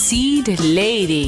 Seed Lady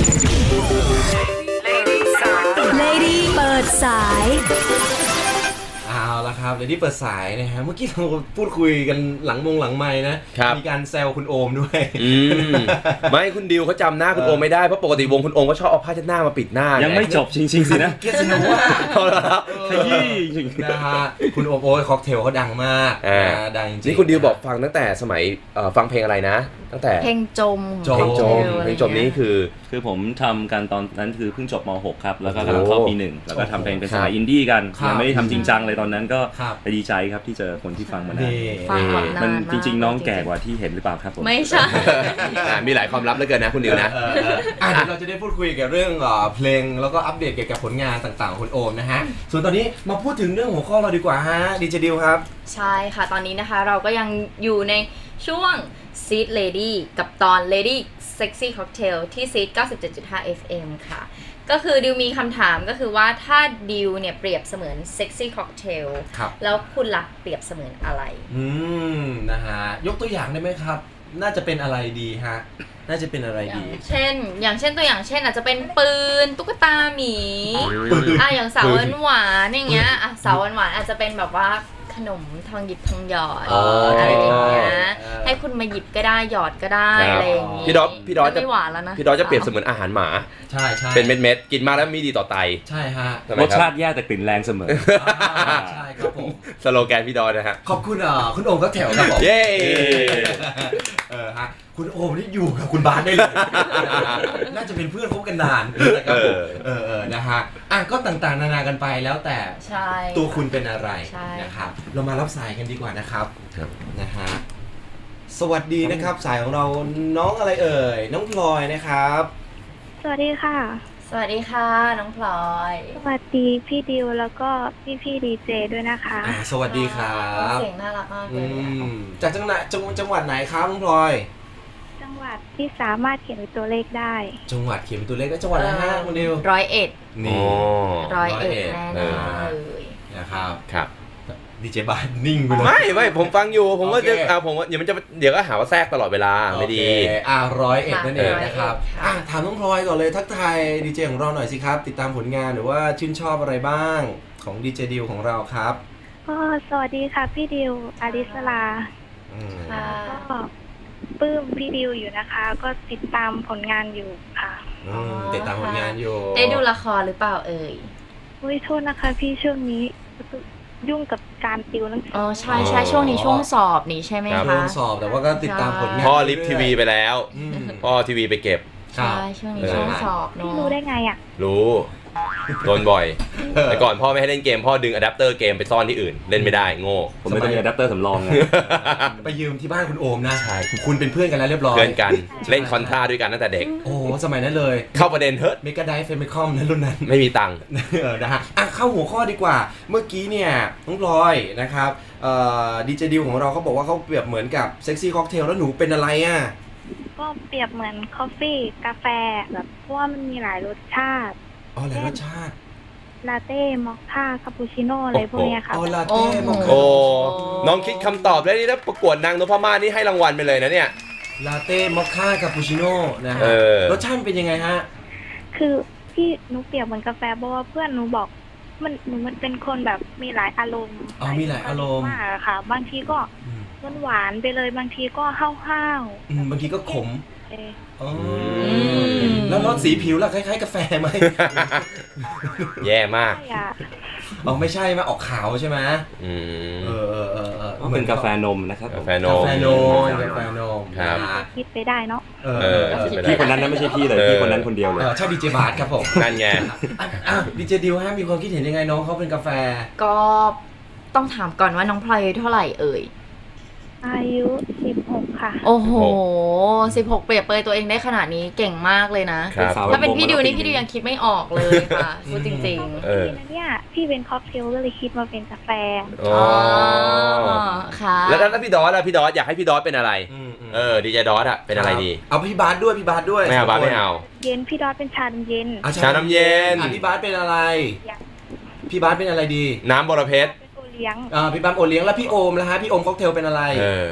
Lady เปิดสายเอาละครับเดี๋ยวนี้เปิดสายนะฮะเมื่อกี้เราพูดคุยกันหลังไมค์นะมีการแซวคุณโอมด้วยไม่คุณดิวเขาจำหน้าคุณโอมไม่ได้เพราะปกติวงคุณโอมก็ชอบเอาผ้าเช็ดหน้ามาปิดหน้ายังไม่จบจริงๆสินะเกียรติโนวาขยี้จริงนะฮะคุณโอมโอ้ยค็อกเทลเขาดังมากดังจริงนี่คุณดิวบอกฟังตั้งแต่สมัยฟังเพลงอะไรนะตั้งแต่เพลงจมเพลงจมนี้คือผมทำกันตอนนั้นคือเพิ่งจบม.6 ครับแล้วก็กำลังเข้าปี 1แล้วก็ทำเพลงเป็นสายอินดี้กันยังไม่ได้ทำจริงจังเลยตอนนั้นก็ไปดีใจครับที่เจอคนที่ฟังมานานมันจริงๆน้องแก่กว่าที่เห็นหรือเปล่าครับผมไม่ใช่มีหลายความลับเหลือเกินนะคุณดิวนะเดี๋ยวเราจะได้พูดคุยเกี่ยวกับเรื่องเพลงแล้วก็อัปเดตเกี่ยวกับผลงานต่างๆของคุณโอมนะฮะส่วนตอนนี้มาพูดถึงเรื่องหัวข้อเราดีกว่าฮะดีเจดิวครับใช่ค่ะตอนนี้นะคะเราก็ยังอยู่ในช่วง Seed Lady กับตอน Lady Sexy Cocktail ที่ Seed 97.5 FM ค่ะก็คือดิวมีคำถามก็คือว่าถ้าดิวเนี่ยเปรียบเสมือน Sexy Cocktail แล้วคุณล่ะเปรียบเสมือนอะไรนะฮะยกตัวอย่างได้ไหมครับน่าจะเป็นอะไรดีฮะน่าจะเป็นอะไรดีอย่างเช่นตัวอย่างเช่นอาจจะเป็นปืนตุ๊กตาหมีอย่างสาวหวานอย่างเงี้ยสาวหวานอาจจะเป็นแบบว่าขนมทองหยิบทองหยอดอะไรอย่างเงี้ยให้คุณมาหยิบก็ได้หยอดก็ได้อะไรอย่างงี้พี่ดอจะไม่หวานแล้วนะพี่ดอจะเปรียบเสมือนอาหารหมาใช่เป็นเม็ดๆกินมาแล้วมีดีต่อไตใช่ฮะรสชาติแย่แต่กลิ่นแรงเสมอใช่ครับผมสโลแกนพี่ดอนะฮะขอบคุณคุณโอมก็แถวครับผมเย้ฮะคุณโอมนี่อยู่กับคุณบาสได้เลยน่าจะเป็นเพื่อนคบกันนานนะครับนะฮะก็ต่างๆนานากันไปแล้วแต่ตัวคุณเป็นอะไรนะครับเรามารับสายกันดีกว่านะครับนะฮะสวัสดีนะครับสายของเราน้องอะไรเอ่ยน้องพลอยนะครับสวัสดีค่ะสวัสดีค่ะน้องพลอยสวัสดีพี่ดิวแล้วก็พี่ดีเจด้วยนะคะสวัสดีครับเสียงน่ารักมากเลยจากจังหวัดไหนครับน้องพลอยจังหวัดที่สามารถเขียนเป็นตัวเลขได้จังหวัดเขียนเป็นตัวเลขได้จังหวัดอะไรฮะคุณดิว 101 นี่ 101แน่เลยนะครับครับดีเจบ้านนิ่งไปเลยไม่ผมฟังอยู่ผมว่าจะเดี๋ยวก็หาว่าแทรกตลอดเวลาไม่ดี 101นั่นเองนะครับถามน้องพลอยก่อนเลยทักทายดีเจของเราหน่อยสิครับติดตามผลงานหรือว่าชื่นชอบอะไรบ้างของดีเจดิวของเราครับก็สวัสดีค่ะพี่ดิวอาริสลาก็ปลื้มพี่ดิวอยู่นะคะก็ติดตามผลงานอยู่ค่ะติดตามผลงานอยู่ได้ดูละครหรือเปล่าเอ่ยโทษนะคะพี่ช่วงนี้ยุ่งกับการติวหนังสือใช่ช่วงนี้ช่วงสอบนี่ใช่ไหมคะช่วงสอบแต่ว่าก็ติดตามผลงานพ่อลิฟทีวีไปแล้วพ่อทีวีไปเก็บใช่ช่วงนี้ช่วงสอบเนาะพี่รู้ได้ไงอ่ะรู้โดนบ่อยแต่ก่อนพ่อไม่ให้เล่นเกมพ่อดึงอะแดปเตอร์เกมไปซ่อนที่อื่นเล่นไม่ได้โง่ผมไม่ต้องมีอะแดปเตอร์สำรองไงไปยืมที่บ้านคุณโอมนะใช่คุณเป็นเพื่อนกันแล้วเรียบร้อยเพื่อนกันเล่นคอนทราด้วยกันตั้งแต่เด็กโอ้สมัยนั้นเลยเข้าประเด็นเฮ้ยเมกาไดฟ์เฟมิคอมนั้นรุ่นนั้นไม่มีตังค์นะฮะเข้าหัวข้อดีกว่าเมื่อกี้เนี่ยน้องพลอยนะครับดีเจดิวของเราเขาบอกว่าเขาเปรียบเหมือนกับเซ็กซี่ค็อกเทลแล้วหนูเป็นอะไรก็เปรียบเหมือนคอฟฟี่กาแฟแบบเพราะว่ามันมีหลายรสชาติหลายรสชาติลาเต้มอคค่าคาปูชิโน่อะไรพวกนี้ค่ะลาเต้มอคค่าน้องคิดคำตอบได้นี่ถ้าประกวดนางนพมาศนี่ให้รางวัลไปเลยนะเนี่ยลาเต้มอคค่าคาปูชิโน่นะฮะรสชาติเป็นยังไงฮะคือที่หนูเปรียบเหมือนกาแฟเพราะว่าเพื่อนหนูบอกมันเป็นคนแบบมีหลายอารมณ์มีหลายอารมณ์มากค่ะบางทีก็หวานไปเลยบางทีก็ห้าวบางทีก็ขมแล้วรสสีผิวล่ะคล้ายๆกาแฟไหมแย่มากไม่ใช่ไหมออกขาวใช่ไหมเหมือนกาแฟนมนะครับกาแฟนมครับคิดไปได้เนาะพี่คนนั้นนะไม่ใช่พี่เลยพี่คนนั้นคนเดียวเลยใช่ดีเจบาร์ครับผมนั่นไงดีเจดิวฮะมีความคิดเห็นยังไงน้องเขาเป็นกาแฟก็ต้องถามก่อนว่าน้องพลอยเท่าไหร่เอ่ยอายุ16ค่ะโอ้โห16เปรียบเปรยตัวเองได้ขนาดนี้เก่งมากเลยนะถ้าเป็นพี่ดิวนี่พี่ดิวยังคิดไม่ออกเลยค่ะพูดจริงๆเนี่ยพี่เป็นค็อกเทลก็เลยคิดมาเป็นกาแฟค่ะแล้วพี่ดอสอยากให้พี่ดอสเป็นอะไรดีเจดอสอะเป็นอะไรดีเอาพี่บาสด้วยไม่เอาบาสไม่เอาเย็นพี่ดอสเป็นชาน้ำเย็นชาน้ำเย็นพี่บาสเป็นอะไรพี่บาสเป็นอะไรดีน้ำบรเพชรพี่บาสโอเลี้ยงแล้วพี่โอมล่ะฮะพี่โอมค็อกเทลเป็นอะไรพี่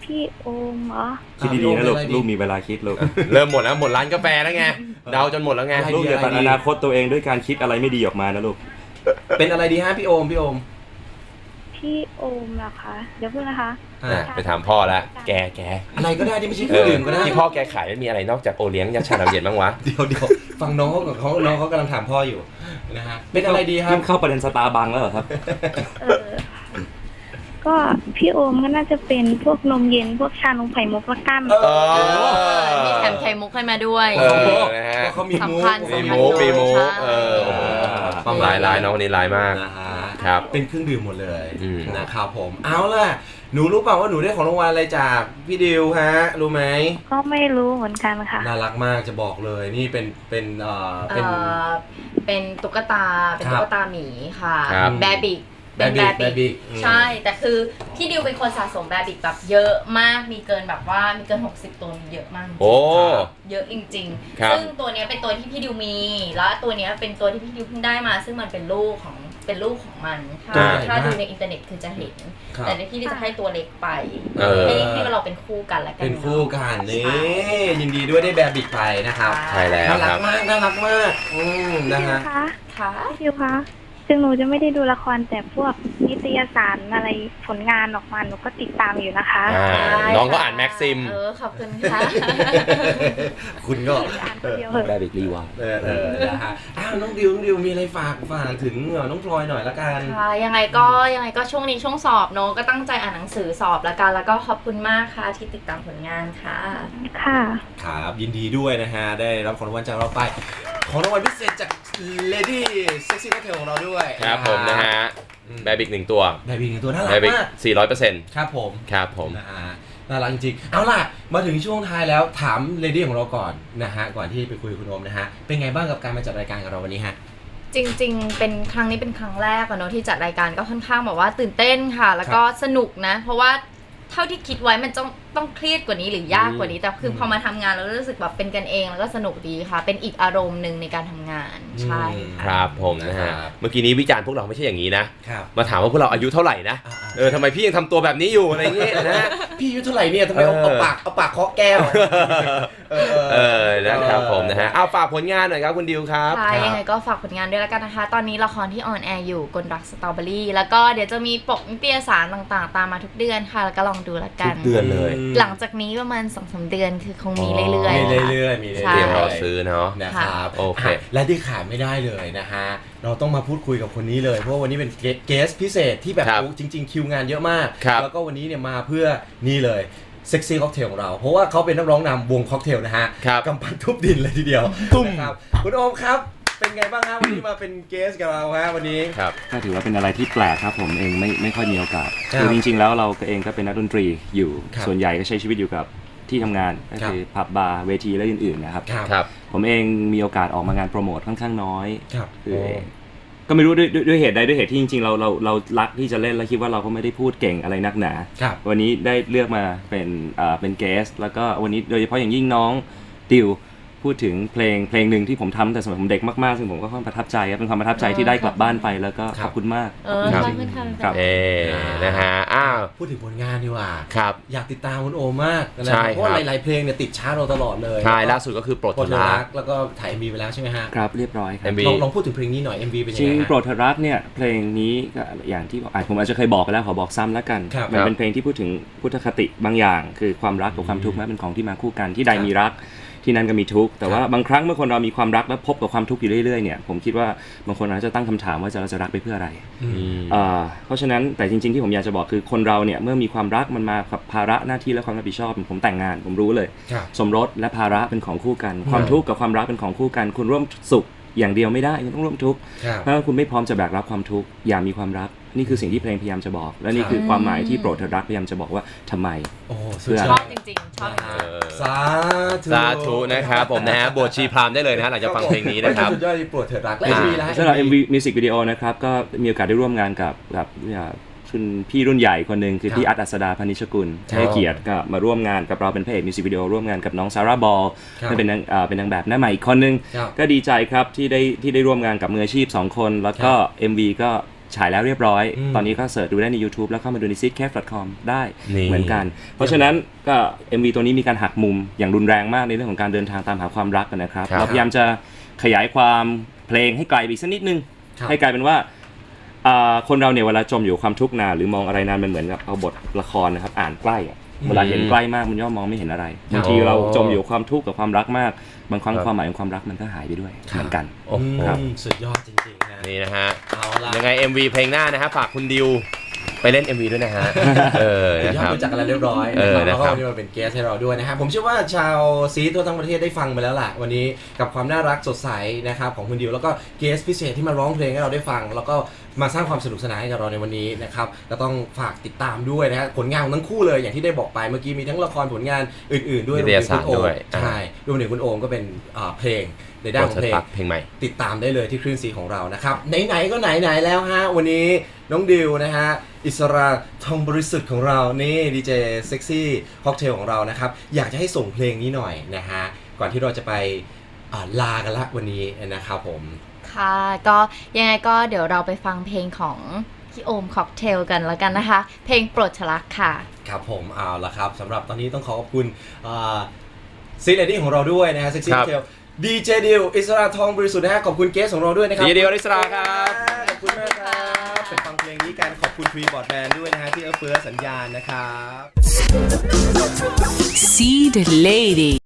พี่โอมเหรอคิดดีๆนะลูกลูกมีเวลาคิดลูกเริ่มหมดแล้วหมดร้านกาแฟแล้วไงเดาจนหมดแล้วไงอะไรลูกอย่าตัดอนาคตตัวเองด้วยการคิดอะไรไม่ดีออกมานะลูกเป็นอะไรดีฮะพี่โอมพี่โอมเหรอคะเดี๋ยวเพิ่งนะคะอ่ะไปถามพ่อแล้วแกอะไรก็ได้ที่ไม่ใช่เครื่องดื่มก็ได้ที่พ่อแกขายไม่มีอะไรนอกจากโอเลี้ยงยาชาน้ำเย็นบ้างวะเดี๋ยวฟังน้องเขากับเขาน้องเขากำลังถามพ่ออยู่นะฮะเป็นอะไรดีครับนี่เข้าประเด็นสตาร์บัคแล้วเหรอครับเออก็พี่โอมก็น่าจะเป็นพวกนมเย็นพวกชานมไข่มุกละกันเออมีแถมไข่มุกให้มาด้วยเออนะฮะเขามีมุกสำคัญมีมุกโอ้โหประมาณลายน้องคนนี้ลายมากนะฮะครับเป็นเครื่องดื่มหมดเลยอืมนะครับผมเอาล่ะหนูรู้เปล่าว่าหนูได้ของรางวัลอะไรจากพี่ดิวฮะรู้ไหมก็ไม่รู้เหมือนกันค่ะน่ารักมากจะบอกเลยนี่เป็นเป็นเป็นตุ๊กตาเป็นครับตุ๊กตาหมีค่ะครับแบบิกเป็นแบบแบบบิิกกใช่แต่คือพี่ดิวเป็นคนสะสมแบบิกแบบเยอะมากมีเกินแบบว่ามีเกิน60ตัวเยอะมากจริงๆโอ้เยอะจริงครับๆซึ่งตัวเนี้ยเป็นตัวที่พี่ดิวมีแล้วตัวเนี้ยเป็นตัวที่พี่ดิวเพิ่งได้มา ซึ่งมันเป็นลูกของมันถ้าดูในอินเทอร์เน็ตคือจะเห็นครับแต่พี่ดิวจะให้ตัวเล็กไปเออให้เราเป็นคู่กันแล้วกันเป็นคู่กันนี่ใช่ยินดีด้วยได้แบบบิกไปนะครับใช่แล้วน่ารัคกรับมากน่ารักมากนะพี่ดิวฮะคะค่ะพี่ดิวคะถึงหนูจะไม่ได้ดูละครแต่พวกนิตยสารอะไรผลงานออกมาหนูก็ติดตามอยู่นะคะอ่าน้องก็อ่านแม็กซิมขอบคุณค่ะคุณก็อ่านคนเดียวเหอะแบบอีกรีวานะฮะอ้าวน้องดิวมีอะไรฝากถึงน้องพลอยหน่อยละกันค่ะยังไงก็ช่วงนี้ช่วงสอบเนอะก็ตั้งใจอ่านหนังสือสอบแล้วกันแล้วก็ขอบคุณมากค่ะที่ติดตามผลงานค่ะค่ะครับยินดีด้วยนะฮะได้รับของรางวัลจากเราไปของรางวัลพิเศษจาก Lady Sexy Cocktail ของเราด้วยครับผมนะฮะแบบอีก1ตัวแบบอีกหนึ่งตัวน่ารัแบกบอีกมาก 400% ครับผมครับผมนะฮะน่ารักจริงๆเอาล่ะมาถึงช่วงท้ายแล้วถาม Lady ของเราก่อนนะฮะก่อนที่ไปคุยกับคุณโอมนะฮะเป็นไงบ้างกับการมาจัดรายการกับเราวันนี้ฮะจริงๆเป็นครั้งนี้เป็นครั้งแรกอะเนอะที่จัดรายการก็ค่อนข้างแบบว่าตื่นเต้นค่ะ แล้วก็สนุกนะ เพราะว่าเท่าที่คิดไว้มันต้องเครียดกว่านี้หรือยากกว่านี้ แต่คือพอมาทำงานแล้วรู้สึกแบบเป็นกันเองแล้วก็สนุกดีค่ะ เป็นอีกอารมณ์หนึ่งในการทำงานใช่อืมคค่ะรับผมนะฮะนะครับเมื่อกี้นี้วิจารณ์พวกเราไม่ใช่อย่างนี้นะครับมาถามว่าพวกเราอายุเท่าไหร่นะ ทำไมพี่ยังทำตัวแบบนี้อยู่อะไรอย่างเงี้ยนะพี่อายุเท่าไหร่เนี่ยทำไมเอาปากเคาะแก้วนะครับผมนะฮะเอาฝากผลงานหน่อยครับคุณดิวครับค่ะยังไงก็ฝากผลงานด้วยแล้วกันนะคะ ตอนนี้ละครที่ออนแอร์อยู่กลรักสตรอเบอรี่แล้วก็เดี๋ยวจะมีปกนิตยสารต่างๆ ตามมาทุกเดือนค่ะแล้วก็ลองดูละกันทุกเดือนเลยหลังจากนี้ประมาณ 2-3 เดือนคือคงมีเรื่อยมีๆค่ะเรื่อยๆมีใช่เตรียมรอซื้อเนาะนะครับโอเคและที่ขาดไม่ได้เลยนะฮะเราต้องมาพูดคุยกับคนนี้เลยเพราะว่าวันนี้เป็นเกสพิเศษที่แบบครับโอ้จริง ๆ คิวงานเยอะมากครับแล้วก็วันนี้เนี่ยมาเพื่อนี่เลยเซ็กซี่ค็อกเทลของเราเพราะว่าเขาเป็นนักร้องนำวงค็อกเทลนะฮะครับกำปั้นทุบดินเลยทีเดียวนะครับคุณโอมครับเป็นไงบ้างฮะวันนี้มาเป็นเกสกับเราฮะวันนี้ครับก็ถือว่าเป็นอะไรที่แปลกครับผมเองไม่ค่อยมีโอกาสครับคือจริงๆแล้วเราเองก็เป็นนักดนตรีอยู่ครับส่วนใหญ่ก็ใช้ชีวิตอยู่กับที่ทำงานก็คือผับบาร์เวทีและอื่นๆนะครับครับครับผมเองมีโอกาสออกมางานโปรโมทค่อนข้างน้อยครับคือก็ไม่รู้ด้วยเหตุใดด้วยเหตุที่จริงๆเรารักที่จะเล่นแล้วคิดว่าเราก็ไม่ได้พูดเก่งอะไรนักหนาครับวันนี้ได้เลือกมาเป็นเกสแล้วก็วันนี้โดยเฉพาะอย่างยิ่งน้องดิวพูดถึงเพลงหนึ่งที่ผมทำแต่สมัยผมเด็กมากๆซึ่งผมก็ค่อนข้างประทับใจครับเป็นความประทับใจที่ได้กลับบ้านไปแล้วก็ขอบคุณมากขอบคุณค่ะครับนะฮะอ้าวพูดถึงผลงานดีกว่าครับอยากติดตามคุณโอมมากนะใช่เพราะว่าครับหลายๆเพลงเนี่ยติดชาร์ตเราตลอดเลยใช่ล่าสุดก็คือโปรดโปรดทรัรักกแล้วก็ถ่าย MV ไปแล้วใช่ไหมฮะครับเรียบร้อยครับ MV ลองพูดถึงเพลงนี้หน่อย MV เป็นจยังริงไงฮะโปรดเธอรักเนี่ยเพลงนี้ก็อย่างที่ผมอาจจะเคยบอกไปแล้วขอบอกซ้ำแล้วกันครับมันเป็นเพลงที่พูดถึงพุทธคติบางอย่าง คือความรักกับความทุกข์นั้นเป็นของที่มาคู่กันที่ใดมีรักที่นั่นก็มีทุกข์แต่ว่าบางครั้งเมื่อคนเรามีความรักแล้วพบกับความทุกข์อยู่เรื่อยๆเนี่ยผมคิดว่าบางคนอาจจะตั้งคำถามว่าเราจะรักไปเพื่ออะไร เพราะฉะนั้นแต่จริงๆที่ผมอยากจะบอกคือคนเราเนี่ยเมื่อมีความรักมันมากับภาระหน้าที่และความรับผิดชอบผมแต่งงานผมรู้เลยครับสมรสและภาระเป็นของคู่กัน ความทุกข์กับความรักเป็นของคู่กัน คุณร่วมสุขอย่างเดียวไม่ได้คุณต้องร่วมทุกข์ครับถ้าคุณไม่พร้อมจะแบกรับความทุกข์อย่ามีความรักนี่คือสิ่งที่เพลงพยายามจะบอก และนี่คือความหมายที่โปรดเธอรักพยายามจะบอกว่าทำไมโอ้สุเพื่ดอยชออดบจริงๆชอบจริงสาธุสาธุนะครับผมนะฮะบวชชีพราหมณ์ได้เลยนะฮะหลังจากฟังเพลงนี้นะครับสุดยอดที่โปรดเถิดรักและอ่า MV แล้วสำหรับ MV Music Video นะครับก็มีโอกาสได้ร่วมงานกับคุณพี่รุ่นใหญ่คนหนึ่งคือพี่อัดอัศดาพนิชกุลให้เกียรติก็มาร่วมงานกับเราเป็นพระเอกมิวสิกวิดีโอร่วมงานกับน้องซาร่าบอลครับเป็นนางแบบหน้าใหม่อีกคนนึงครับก็ดีใจครับที่ได้ร่วมงานกับมืออาชีพ2คนแล้วก็ MV ก็ฉายแล้วเรียบร้อยอืมตอนนี้ก็เสิร์ชดูได้ใน YouTube แล้วเข้ามาดูใน seedcast.com ได้นี่เหมือนกัน เพราะฉะนั้นก็ MV ตัวนี้มีการหักมุมอย่างรุนแรงมากในเรื่องของการเดินทางตามหาความรักนะครับครับเราพยายามจะขยายความเพลงให้ไกลไปอีกสักนิดนึงครับให้กลายเป็นว่าคนเราเนี่ยเวลาจมอยู่ความทุกข์นานหรือมองอะไรนานมันเหมือนกับเอาบทละครนะครับอ่านใกล้อะเวลาเห็นใกล้มากมันย่อมมองไม่เห็นอะไรบางทีเราจมอยู่ความทุกข์กับความรักมากบางครั้งความหมายของความรักมันก็หายไปด้วยเหมือนกันโอ้โหครับสุดยอดจริงๆนะนี่นะฮะเอาละยังไง MV เพลงหน้านะฮะฝากคุณดิวไปเล่น MV ด้วยนะฮะสุดนะยอคดรับรู้จักกันแล้วเรียบร้อยเออแล้วก็นะครับวันนี้มาเป็นเกสให้เราด้วยนะฮะผมเชื่อว่าชาวซีทั่วทั้งประเทศได้ฟังไปแล้วล่ะวันนี้กับความน่ารักสดใสนะครับของคุณดิวแล้วก็เกสพิเศษที่มาร้องเพลงให้เราได้ฟัง แล้วก็มาสร้างความสนุกสนานให้กับเราในวันนี้นะครับก็ต้องฝากติดตามด้วยนะฮะผลงานของทั้งคู่เลยอย่างที่ได้บอกไปเมื่อกี้มีทั้งละครผลงานอื่นๆด้วยนิตยสารด้วยใช่รวมถึงคุณโอมก็เป็นเพลงในด้านของเพลงเพลงใหม่ติดตามได้เลยที่คลื่นซีของเรานะครับไหนๆก็ไหนๆแล้วฮะวันนี้น้องดิวนะฮะอิสราทองบริสุทธิ์ของเรานี่ดีเจเซ็กซี่ค็อกเทลของเรานะครับอยากจะให้ส่งเพลงนี้หน่อยนะฮะก่อนที่เราจะไปลากันละวันนี้นะครับผมค่ะก็ยังไงก็เดี๋ยวเราไปฟังเพลงของพี่โอมค็อกเทลกันแล้วกันนะคะ เพลงโปรดชลักค่ะครับผมเอาละครับสำหรับตอนนี้ต้องขอบคุณซีเลดี้ของเราด้วยนะฮะเซ็กซี่คค็รัอบ กเทลดีเจดิวอิสราทองบริสุทธิ์นะฮะขอบคุณเกสของเราด้วยนะครับดีเจดิวอริสราครับขอบคุณมากครับไปฟังเพลงนี้กันขอบคุณทรีบอร์ดแบนด์ด้วยนะฮะที่เอื้อเฟื้อสัญญาณนะครับ Seed Lady